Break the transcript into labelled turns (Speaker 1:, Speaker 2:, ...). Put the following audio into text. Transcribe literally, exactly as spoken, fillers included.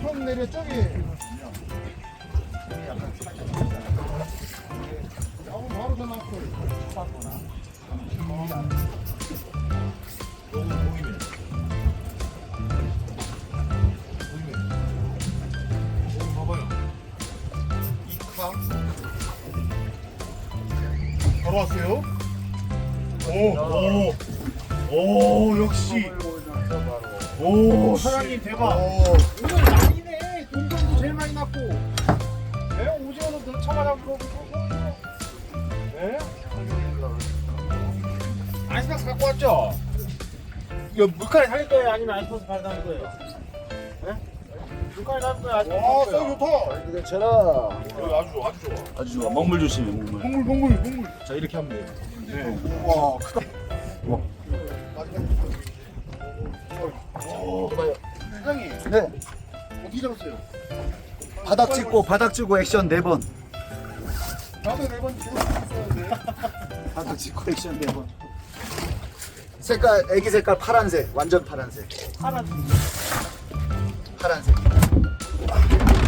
Speaker 1: 처음 내려 저기. 어, 바로 전화 왔어.
Speaker 2: 너무 보이네. 보이네. 어, 봐봐요. 이카. 바로 왔어요. 오, 오, 오, 역시. 오, 사장님 대박.
Speaker 1: 오늘 많이네. 돈도 제일 많이 났고. 네? 오징어도 더 쳐가지고. 네? 아이스박스 갖고 왔죠? 이거 물칼에 살릴 거예요? 아니면 아이스박스 발라는 거예요? 네? 물칼에 살릴 거예요? 아이스박스
Speaker 2: 와,
Speaker 1: 살릴
Speaker 2: 쌀
Speaker 1: 거예요?
Speaker 2: 좋다.
Speaker 3: 괜찮아.
Speaker 2: 어, 아주 좋아, 아주 좋아.
Speaker 3: 아주 좋아. 먹물 조심해, 먹물.
Speaker 2: 동물, 동물, 동물.
Speaker 3: 자, 이렇게 하면 돼요.
Speaker 2: 네. 와, 크다.
Speaker 3: 오.
Speaker 1: 사장님,
Speaker 3: 네.
Speaker 1: 어떻게 잡았어요?
Speaker 3: 바닥 찍고, 바닥 찍고 액션 네 번.
Speaker 1: 나도 네번 계속 있어야 돼.
Speaker 3: 바닥 찍고 액션 네 번. 색깔, 애기 색깔 파란색. 완전 파란색.
Speaker 1: 파란.
Speaker 3: 파란색.